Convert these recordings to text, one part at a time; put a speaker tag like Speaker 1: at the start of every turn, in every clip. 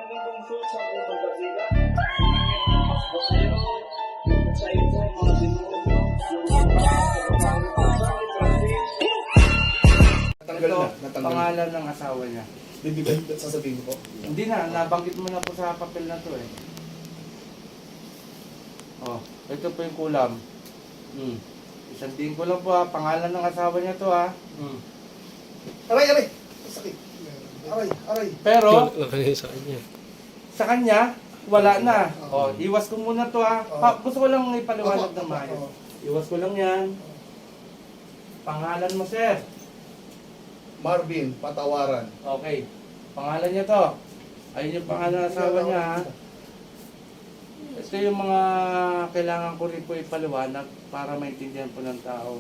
Speaker 1: Ito, pangalan ng asawa niya.
Speaker 2: Bibigay, sasabihin ko.
Speaker 1: Hindi na, nabanggit mo na po sa papel na to eh. Oh, ito po yung kulam. Isang ko lang po ha, pangalan ng asawa niya to ha.
Speaker 2: Aray, aray! Sakit. Aray, aray.
Speaker 1: Pero,
Speaker 3: Sa kanya.
Speaker 1: sa kanya, wala na. Oh, iwas ko muna to ha. Gusto ko lang ipaliwanag ng maayos. Iwas ko lang yan. Pangalan mo, sir.
Speaker 2: Marvin, Patawaran.
Speaker 1: Okay. Pangalan niya to. Ayun yung pangalan ng asawa niya ha. Ito yung mga kailangan ko rin po ipaliwanag para maintindihan po ng tao.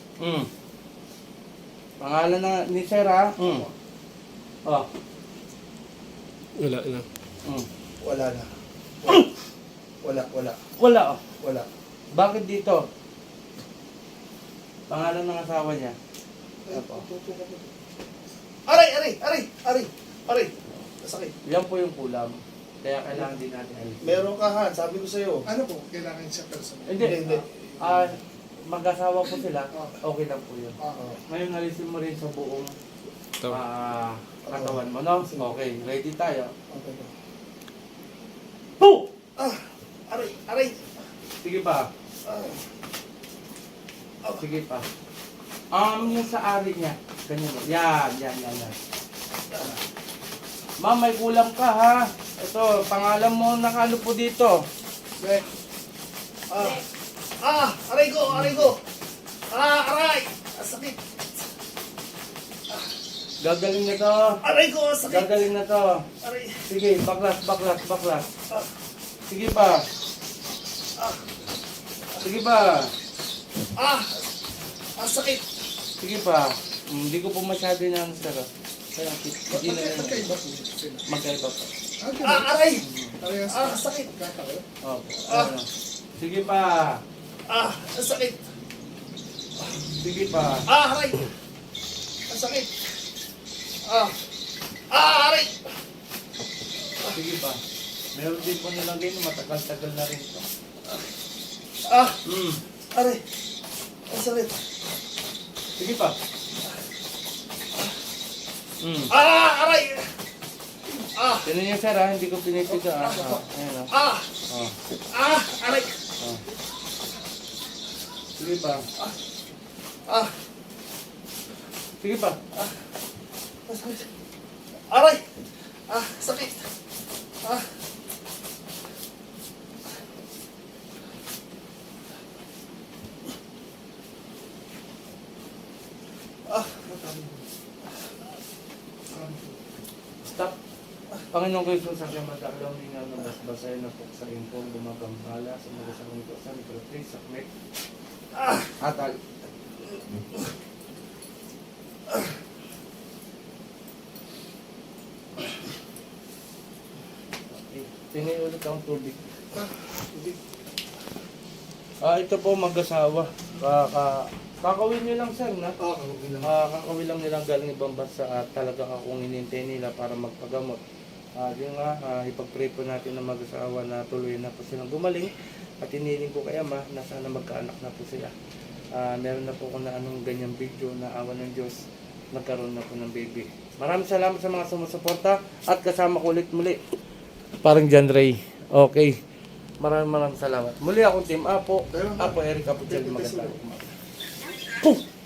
Speaker 1: Pangalan na ni Sir ha. Oh.
Speaker 3: Wala na.
Speaker 2: Wala na. Wala, wala.
Speaker 1: Wala oh.
Speaker 2: Wala.
Speaker 1: Bakit dito? Pangalan ng asawa niya.
Speaker 2: Aray, aray, aray, aray, aray. Sakit.
Speaker 1: Yan po yung kulam. Kaya kailangan din natin alisin.
Speaker 2: Meron ka, Han. Sabi ko sa'yo.
Speaker 4: Ano po? Kailangan siya personal.
Speaker 1: Hindi.
Speaker 2: Hindi.
Speaker 1: Mag-asawa po sila. Okay lang po yun.
Speaker 2: Oo.
Speaker 1: Ngayon alisin mo rin sa buong
Speaker 3: Ito.
Speaker 1: katawan mo, no? Okay, ready tayo.
Speaker 2: Okay.
Speaker 1: Boom!
Speaker 2: Aray, aray.
Speaker 1: Sige pa. Sige pa. Yung sa ari niya. Ganyan mo. Yan. Ma'am, may kulam ka ha. Ito, pangalan mo nakalo po dito.
Speaker 2: Okay. Aray ko, aray ko. Aray. Sakit.
Speaker 1: Gagaling na to.
Speaker 2: Aray ko, sakit.
Speaker 1: Gagaling na to.
Speaker 2: Aray.
Speaker 1: Sige, baklas. Sige pa. Sige pa.
Speaker 2: Sakit.
Speaker 1: Sige pa. Hindi ko po masyado na sir. Kaya hindi na rin.
Speaker 4: Magkaiba po sila.
Speaker 1: Magkaiba pa.
Speaker 2: Aray.
Speaker 4: Parehas
Speaker 2: Sakit.
Speaker 4: kakao.
Speaker 1: Oh, ano. Sige pa.
Speaker 2: Sakit.
Speaker 1: Sige pa.
Speaker 2: Aray. Sakit. Aray.
Speaker 1: Sige pa. Meron din po nilang ganyan. Matagal-tagal na rin ito.
Speaker 2: Aray. Sakit.
Speaker 1: Sige pa.
Speaker 2: Aray.
Speaker 1: Tinan niyo sir ha. Hindi ko pinipito ha. Ayan ha.
Speaker 2: Aray.
Speaker 1: Sige pa. Sige pa.
Speaker 2: Aray. Sakit.
Speaker 1: Stop. Panginoon ko Jesus, sa madaklang ninga ng basbasay na po sa impong gumagambala sa mga sarong ito sa mikrotrace, sakmet, atal. Tingin ulit ang tubig. Ito po mag-asawa. Kakawin nyo lang sir na. Kakawin lang nilang galing ibang bansa at talaga akong inintay nila para magpagamot. Yun nga, ipag-pray po natin ng mag-asawa na tuloy na po silang gumaling at hiniling ko kay Ama na sana magkaanak na po sila. Meron na po kung na anong ganyang video na awa ng Diyos, nagkaroon na po ng baby. Maraming salamat sa mga sumusuporta at kasama ko ulit muli. Parang John Ray. Okay. Maraming salamat. Muli akong Team Apo. Apo Eric Apo Magandang umaga. Boom!